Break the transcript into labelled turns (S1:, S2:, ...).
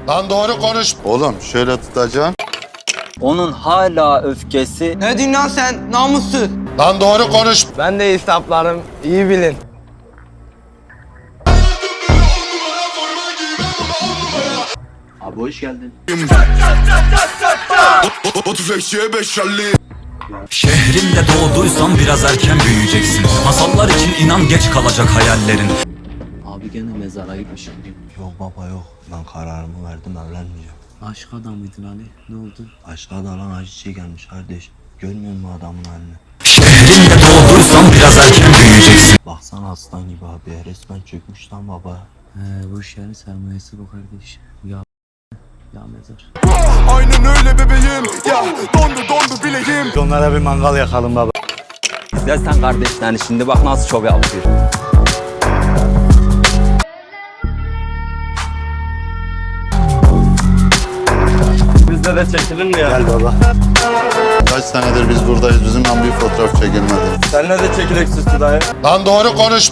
S1: Lan doğru konuş. Oğlum şöyle tutacaksın.
S2: Onun hala öfkesi.
S3: Ne diyorsun lan sen namussuz?
S1: Lan doğru konuş.
S3: Ben de hesaplarım iyi bilin.
S2: Abi hoş geldin.
S4: Şehrimde doğduysan biraz erken büyüyeceksin. Masallar için inan geç kalacak hayallerin.
S2: Abi gene mezara gitmişim.
S5: Yok baba yok. Ben kararımı verdim, evlenmeyeceğim.
S2: Aşk adamıydın Ali. Ne oldu?
S5: Aşka dalan acı gelmiş kardeş. Görmüyor musun adamın halini?
S4: Şehrimde doğduysan biraz erken büyüyeceksin.
S5: Baksana aslan gibi abi. Resmen çökmüş lan baba.
S2: Bu iş yani sermayesi bu kardeş. Ya mezar.
S6: Aynen öyle bebeğim. Ya dondu bileğim.
S5: Onlara bir mangal yakalım baba.
S2: İzlersen kardeşlerini şimdi bak nasıl şov yapıyor.
S3: Bizde de çekilir mi ya?
S5: Gel baba.
S1: Kaç senedir biz buradayız. Bizimle bir fotoğraf çekilmedi.
S3: Seninle de çekilek süslü dayı.
S1: Lan doğru konuş.